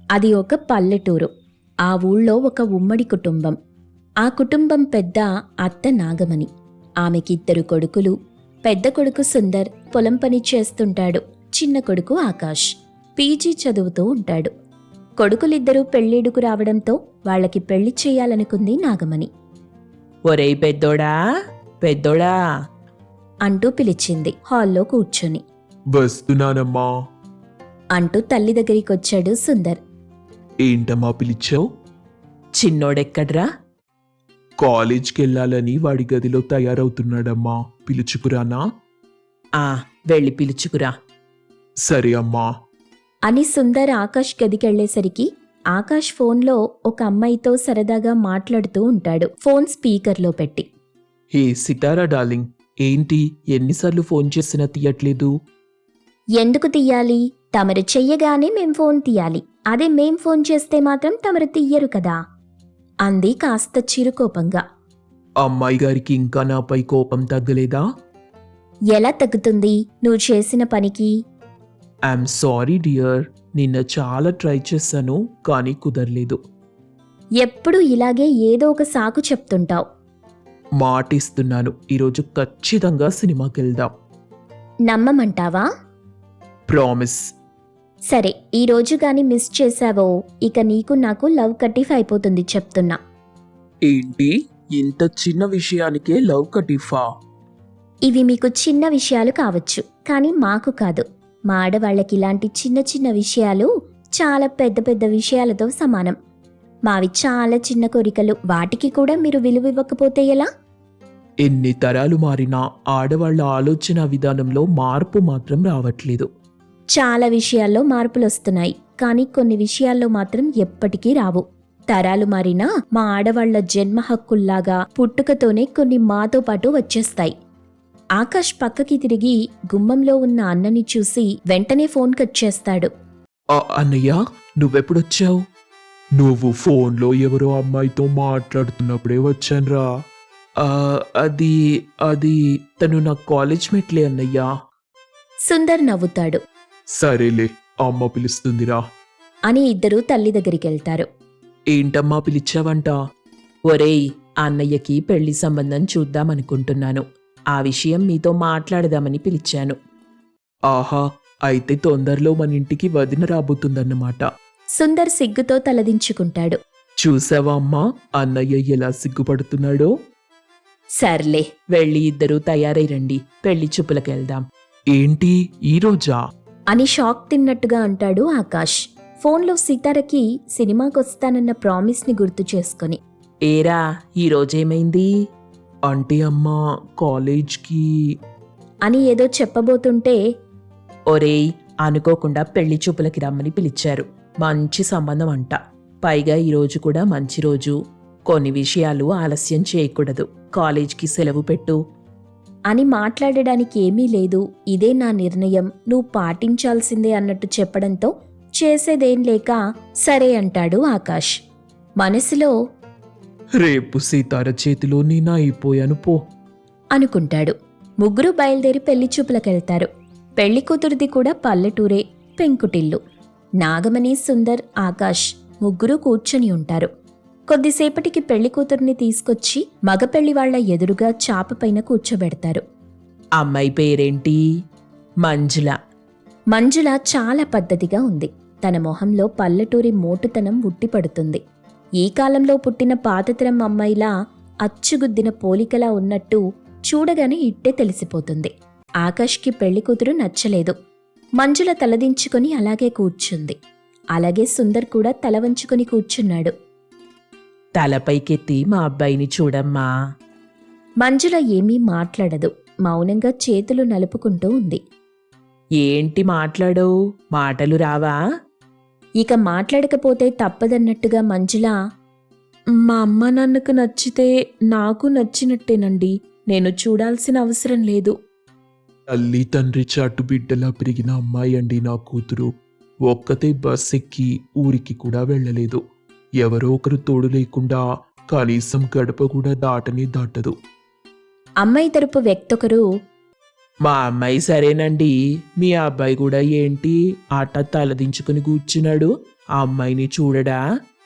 అది ఒక పల్లెటూరు. ఆ ఊళ్ళో ఒక ఉమ్మడి కుటుంబం. ఆ కుటుంబం పెద్ద అత్త నాగమణి. ఆమెకిద్దరు కొడుకులు. పెద్ద కొడుకు సుందర్ పొలం పని చేస్తుంటాడు. చిన్న కొడుకు ఆకాష్ పీజీ చదువుతూ ఉంటాడు. కొడుకులిద్దరూ పెళ్ళిడుకు రావడంతో వాళ్ళకి పెళ్లి చేయాలనుకుంది నాగమణి. ఒరేయ్ పెద్దోడా, పెద్దోడా అంటూ పిలిచింది హాల్లో కూర్చొని. వస్తున్నానమ్మా. అంటూ తల్లి దగ్గరికొచ్చాడు సుందర్. ఏంటమ్మా పిలిచావు? చిన్నోడెక్కడ్రా? కాలేజ్కి వెళ్ళాలని వాడి గదిలో తయారవుతున్నాడమ్మా. పిలుచుకురానా? వెళ్ళి పిలుచుకురా. సరే అమ్మా. అని సుందర్ ఆకాష్ గదికెళ్లేసరికి ఆకాష్ ఫోన్లో ఒక అమ్మాయితో సరదాగా మాట్లాడుతూ ఉంటాడు, ఫోన్ స్పీకర్లో పెట్టి. హే సితారా డార్లింగ్, ఏంటి ఎన్నిసార్లు ఫోన్ చేసినా తీయట్లేదు? ఎందుకు తీయాలి? తమరు చెయ్యగానే మేం ఫోన్ తీయాలి. అదే మేం ఫోన్ చేస్తే మాత్రం తమరు తీయరు కదా, అంది కాస్త చిరుకోపంగా. అమ్మాయి గారికి ఇంకా నాపై కోపం తగ్గలేదా? ఎలా తగ్గుతుంది నువ్వు చేసిన పనికి? ఐఎమ్ సారీ డియర్, నిన్న చాలా ట్రై చేశాను కానీ కుదరలేదు. ఎప్పుడూ ఇలాగే ఏదో ఒక సాకు చెప్తుంటావు. మాటిస్తున్నాను, ఈరోజు ఖచ్చితంగా సినిమాకి వెళ్దాం. నమ్మమంటావా? ప్రామిస్. సరే, ఈ రోజు గాని మిస్ చేశావో ఇక నీకు నాకు లవ్ కటిఫ్ అయిపోతుంది చెప్తున్నా. ఏంటి ఇంత చిన్న విషయానికే లవ్ కటిఫా? ఇవి మీకు చిన్న విషయాలు కావచ్చు, కానీ మాకు కాదు. మా ఆడవాళ్ళకి ఇలాంటి చిన్న చిన్న విషయాలు చాలా పెద్ద పెద్ద విషయాలతో సమానం. మావి చాలా చిన్న కోరికలు, వాటికి కూడా మీరు విలువివ్వకపోతే ఎలా? ఎన్ని తరాలు మారినా ఆడవాళ్ల ఆలోచన విధానంలో మార్పు మాత్రం రావట్లేదు. చాలా విషయాల్లో మార్పులొస్తున్నాయి, కానీ కొన్ని విషయాల్లో మాత్రం ఎప్పటికీ రావు. తరాలు మారినా మా ఆడవాళ్ల జన్మ హక్కుల్లాగా పుట్టుకతోనే కొన్ని మాతో పాటు వచ్చేస్తాయి. ఆకాష్ పక్కకి తిరిగి గుమ్మంలో ఉన్న అన్నని చూసి వెంటనే ఫోన్ కట్ చేస్తాడు. అన్నయ్య, నువ్వెప్పుడొచ్చావు? నువ్వు ఫోన్లో ఎవరో అమ్మాయితో మాట్లాడుతున్నప్పుడే వచ్చానురా. అది అది తను నా కాలేజ్ మేట్లే అన్నయ్యా. సుందర్ నవ్వుతాడు. సరేలే, అమ్మ పిలుస్తుందిరా అని ఇద్దరూ తల్లి దగ్గరికెళ్తారు. ఏంటమ్మా పిలిచావంట? ఒరేయ్, అన్నయ్యకి పెళ్లి సంబంధం చూద్దామనుకుంటున్నాను. ఆ విషయం మీతో మాట్లాడదామని పిలిచాను. ఆహా, అయితే తొందరలో మన ఇంటికి వదిన రాబోతుందన్నమాట. సుందర్ సిగ్గుతో తలదించుకుంటాడు. చూసావా అమ్మా, అన్నయ్య ఎలా సిగ్గుపడుతున్నాడో? సర్లే, వెళ్ళి ఇద్దరూ తయారై రండి, పెళ్లి చూపులకెళ్దాం. ఏంటి ఈరోజా? అని షాక్ తిన్నట్టుగా అంటాడు ఆకాష్, ఫోన్లో సితారకి సినిమాకొస్తానన్న ప్రామిస్ని గుర్తు చేసుకొని. ఏరా, ఈరోజేమైంది? అంటే అమ్మా, కాలేజ్కి అని ఏదో చెప్పబోతుంటే, ఒరేయ్, అనుకోకుండా పెళ్లి చూపులకి రమ్మని పిలిచారు. మంచి సంబంధం అంట. పైగా ఈరోజు కూడా మంచి రోజు. కొన్ని విషయాలు ఆలస్యం చేయకూడదు. కాలేజ్కి సెలవు పెట్టు. అని మాట్లాడడానికి ఏమీ లేదు, ఇదే నా నిర్ణయం, నువ్వు పాటించాల్సిందే అన్నట్టు చెప్పడంతో చేసేదేం లేక సరే అంటాడు ఆకాష్. మనసులో రేపు సీతార చేతిలో నేను అయిపోయాను పో అనుకుంటాడు. ముగ్గురు బయలుదేరి పెళ్లి చూపులకెళ్తారు. పెళ్లి కూతురిది కూడా పల్లెటూరే, పెంకుటిల్లు. నాగమణి, సుందర్, ఆకాష్ ముగ్గురు కూర్చొని ఉంటారు. కొద్దిసేపటికి పెళ్లి కూతుర్ని తీసుకొచ్చి మగపెళ్లి వాళ్ల ఎదురుగా చాపపైన కూర్చోబెడతారు. అమ్మాయి పేరేంటి? మంజుల. మంజుల చాలా పద్ధతిగా ఉంది. తన మొహంలో పల్లెటూరి మోటుతనం ఉట్టిపడుతుంది. ఈ కాలంలో పుట్టిన పాతతరం అమ్మాయిలా అచ్చుగుద్దిన పోలికలా ఉన్నట్టు చూడగానే ఇట్టే తెలిసిపోతుంది. ఆకాష్కి పెళ్లి కూతురు నచ్చలేదు. మంజుల తలదించుకొని అలాగే కూర్చుంది. అలాగే సుందర్ కూడా తల వంచుకొని కూర్చున్నాడు. తలపైకెత్తి మా అబ్బాయిని చూడమ్మా. మంజుల ఏమీ మాట్లాడదు, మౌనంగా చేతులు నలుపుకుంటూ ఉంది. ఏంటి మాట్లాడవు? మాటలు రావా? ఇక మాట్లాడకపోతే తప్పదన్నట్టుగా మంజుల, మా అమ్మ నాన్నకు నచ్చితే నాకు నచ్చినట్టేనండి, నేను చూడాల్సిన అవసరం లేదు. తల్లి తండ్రి చాటు బిడ్డలా పెరిగిన అమ్మాయి అండి నా కూతురు. ఒక్కతే బస్ ఎక్కి ఊరికి కూడా వెళ్ళలేదు. ఎవరో ఒకరు తోడు లేకుండా కనీసం గడప కూడా దాటదు. అమ్మాయి తరపు వ్యక్తొకరు, మా అమ్మాయి సరేనండి, మీ అబ్బాయి కూడా ఏంటి ఆట తలదించుకుని కూర్చున్నాడు? ఆ అమ్మాయిని చూడడా?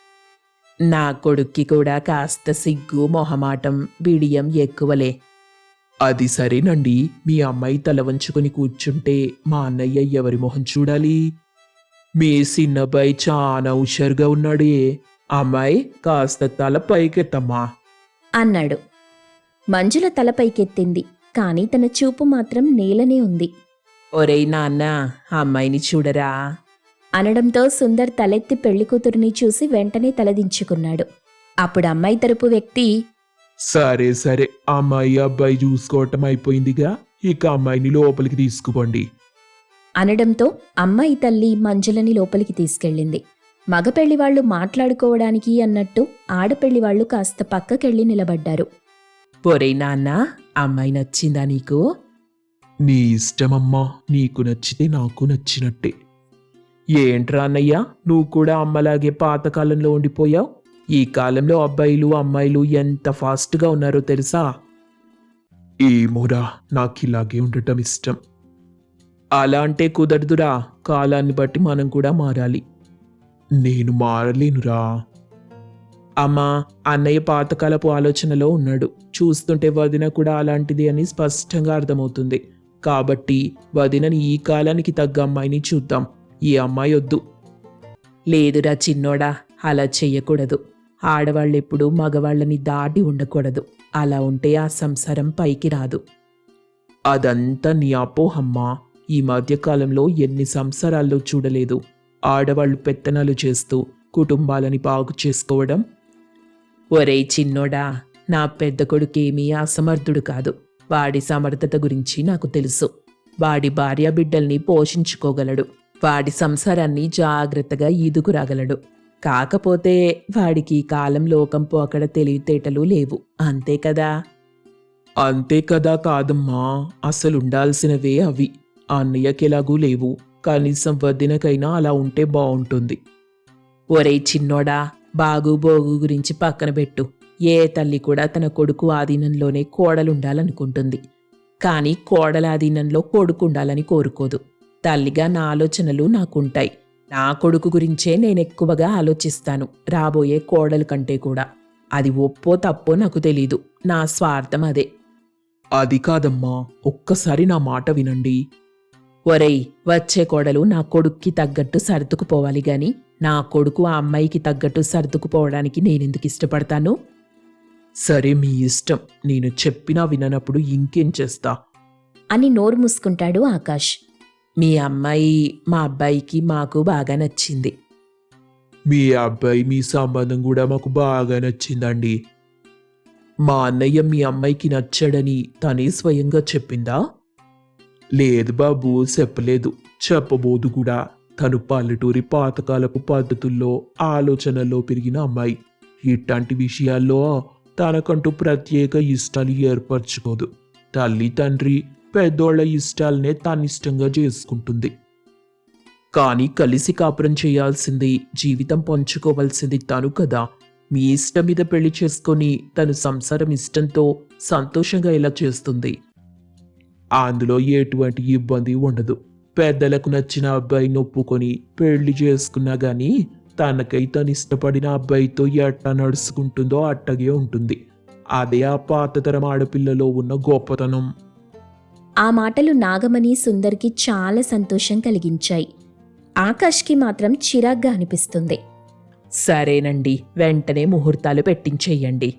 నా కొడుక్కి కూడా కాస్త సిగ్గు మొహమాటం బిడియం ఎక్కువలే. అది సరేనండి, మీ అమ్మాయి తల వంచుకొని కూర్చుంటే మా అన్నయ్య ఎవరి మొహం చూడాలి? మీ చిన్నబ్బాయి చాలా హుషారుగా ఉన్నాడే. అమ్మాయి కాస్త తల పైకెత్తమ్మా. అన్నాడు. మంజుల తల పైకెత్తింది, కాని తన చూపు మాత్రం నేలనే ఉంది. ఒరేయ్ నాన్న, అమ్మాయిని చూడరా? అనడంతో సుందర్ తలెత్తి పెళ్లికూతురిని చూసి వెంటనే తలదించుకున్నాడు. అప్పుడు అమ్మాయి తరపు వ్యక్తి, సరే సరే, అమ్మాయి అబ్బాయి చూసుకోవటం అయిపోయిందిగా, ఇక అమ్మాయిని లోపలికి తీసుకుపోండి. అనడంతో అమ్మాయి తల్లి మంజులని లోపలికి తీసుకెళ్ళింది. మగ పెళ్లివాళ్లు మాట్లాడుకోవడానికి అన్నట్టు ఆడపెళ్లివాళ్లు కాస్త పక్కకెళ్ళి నిలబడ్డారు. ఒరేయ్ నాన్న, అమ్మాయి నచ్చిందా నీకు? నీ ఇష్టమమ్మా, నీకు నచ్చితే నాకు నచ్చినట్టే. ఏంట్రా అన్నయ్య, నువ్వు కూడా అమ్మలాగే పాతకాలంలో ఉండిపోయావు. ఈ కాలంలో అబ్బాయిలు అమ్మాయిలు ఎంత ఫాస్ట్గా ఉన్నారో తెలుసా? ఏమోరా, నాకు ఇలాగే ఉండటం ఇష్టం. అలా అంటే కుదరదురా, కాలాన్ని బట్టి మనం కూడా మారాలి. నేను మారలేనురా. అమ్మా, అన్నయ్య పాతకాలపు ఆలోచనలో ఉన్నాడు. చూస్తుంటే వదిన కూడా అలాంటిది అని స్పష్టంగా అర్థమవుతుంది. కాబట్టి వదినని ఈ కాలానికి తగ్గ అమ్మాయిని చూద్దాం. ఈ అమ్మాయి వద్దు. లేదురా చిన్నోడా, అలా చెయ్యకూడదు. ఆడవాళ్ళెప్పుడు మగవాళ్ళని దాటి ఉండకూడదు. అలా ఉంటే ఆ సంసారం పైకి రాదు. అదంతా నీ అపోహమ్మా. ఈ మధ్యకాలంలో ఎన్ని సంసారాల్లో చూడలేదు, ఆడవాళ్లు పెత్తనాలు చేస్తూ కుటుంబాలని బాగు చేసుకోవడం. ఒరేయ్ చిన్నోడా, నా పెద్ద కొడుకేమీ అసమర్థుడు కాదు. వాడి సమర్థత గురించి నాకు తెలుసు. వాడి భార్య బిడ్డల్ని పోషించుకోగలడు. వాడి సంసారాన్ని జాగ్రత్తగా ఈదుకురాగలడు. కాకపోతే వాడికి ఈ కాలం లోకంపు అక్కడ తెలివితేటలు లేవు, అంతే కదా? అంతే కదా కాదమ్మా, అసలుండాల్సినవే అవి. అన్నయ్యకెలాగూ లేవు. కనీసం వదినకైనా అలా ఉంటే బావుంటుంది. ఒరేయ్ చిన్నోడా, బాగు బోగు గురించి పక్కన పెట్టు. ఏ తల్లి కూడా తన కొడుకు ఆధీనంలోనే కోడలుండాలనుకుంటుంది. కానీ కోడల ఆధీనంలో కొడుకుండాలని కోరుకోదు. తల్లిగా నా ఆలోచనలు నాకుంటాయి. నా కొడుకు గురించే నేనెక్కువగా ఆలోచిస్తాను, రాబోయే కోడలు కంటే కూడా. అది ఒప్పో తప్పో నాకు తెలీదు. నా స్వార్థం అదే. అది కాదమ్మా, ఒక్కసారి నా మాట వినండి. ఒరేయ్, వచ్చే కోడలు నా కొడుక్కి తగ్గట్టు సర్దుకుపోవాలి గాని నా కొడుకు ఆ అమ్మాయికి తగ్గట్టు సర్దుకుపోవడానికి నేనెందుకు ఇష్టపడతాను? సరే, మీ ఇష్టం. నేను చెప్పినా విననప్పుడు ఇంకేం చేస్తా? అని నోరు మూసుకుంటాడు ఆకాష్. మీ అమ్మాయి మా అబ్బాయికి మాకు బాగా నచ్చింది. మీ అబ్బాయి మీ సంబంధం కూడా మాకు బాగా నచ్చిందండి. మా అన్నయ్య మీ అమ్మాయికి నచ్చాడని తనే స్వయంగా చెప్పిందా? లేదు బాబు, చెప్పలేదు, చెప్పబోదు కూడా. తను పల్లెటూరి పాతకాలపు పద్ధతుల్లో ఆలోచనల్లో పెరిగిన అమ్మాయి. ఇట్లాంటి విషయాల్లో తనకంటూ ప్రత్యేక ఇష్టాలు ఏర్పరచుకోదు. తల్లి తండ్రి పెద్దోళ్ల ఇష్టాలనే తనిష్టంగా చేసుకుంటుంది. కానీ కలిసి కాపురం చేయాల్సింది, జీవితం పంచుకోవాల్సింది తను కదా. మీ ఇష్టం మీద పెళ్లి చేసుకొని తను సంసారం ఇష్టంతో సంతోషంగా ఎలా చేస్తుంది? అందులో ఎటువంటి ఇబ్బంది ఉండదు. పెద్దలకు నచ్చిన అబ్బాయిని ఒప్పుకొని పెళ్లి చేసుకున్నా గానీ తనకై తను ఇష్టపడిన అబ్బాయితో ఎట్లా నడుచుకుంటుందో అట్టగే ఉంటుంది. అదే ఆ పాతతరం ఆడపిల్లలో ఉన్న గొప్పతనం. ఆ మాటలు నాగమణి సుందర్కి చాలా సంతోషం కలిగించాయి. ఆకాష్కి మాత్రం చిరాగ్గా అనిపిస్తుంది. సరేనండి, వెంటనే ముహూర్తాలు పెట్టించేయండి.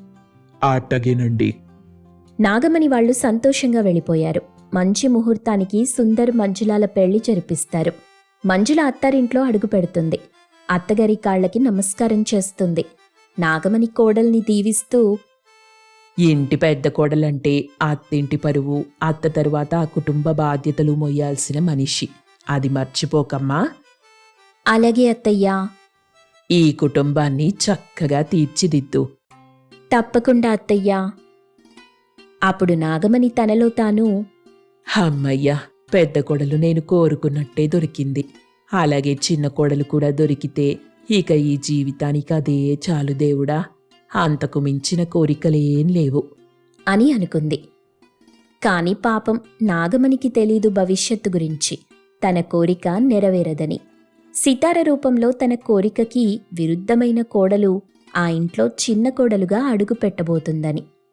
అట్టగేనండి. నాగమణి వాళ్ళు సంతోషంగా వెళ్ళిపోయారు. మంచి ముహూర్తానికి సుందర్ మంజులాల పెళ్లి జరిపిస్తారు. మంజుల అత్తారింట్లో అడుగు పెడుతుంది. అత్తగారి కాళ్లకి నమస్కారం చేస్తుంది. నాగమణి కోడల్ని దీవిస్తూ, ఇంటి పెద్ద కోడలంటే అత్తింటి పరువు, అత్త తరువాత ఆ కుటుంబ బాధ్యతలు మొయ్యాల్సిన మనిషి. అది మర్చిపోకమ్మా. అలాగే అత్తయ్యా. ఈ కుటుంబాన్ని చక్కగా తీర్చిదిద్దు. తప్పకుండా అత్తయ్యా. అప్పుడు నాగమణి తనలో తాను, అమ్మయ్యా, పెద్ద కోడలు నేను కోరుకున్నట్టే దొరికింది. అలాగే చిన్న కోడలు కూడా దొరికితే ఇక ఈ జీవితానికి అదే చాలు దేవుడా. అంతకు మించిన కోరికలేం లేవు అని అనుకుంది. కాని పాపం నాగమణికి తెలీదు భవిష్యత్తు గురించి. తన కోరిక నెరవేరదని. సితార రూపంలో తన కోరికకి విరుద్ధమైన కోడలు ఆ ఇంట్లో చిన్న కోడలుగా అడుగు పెట్టబోతుందని.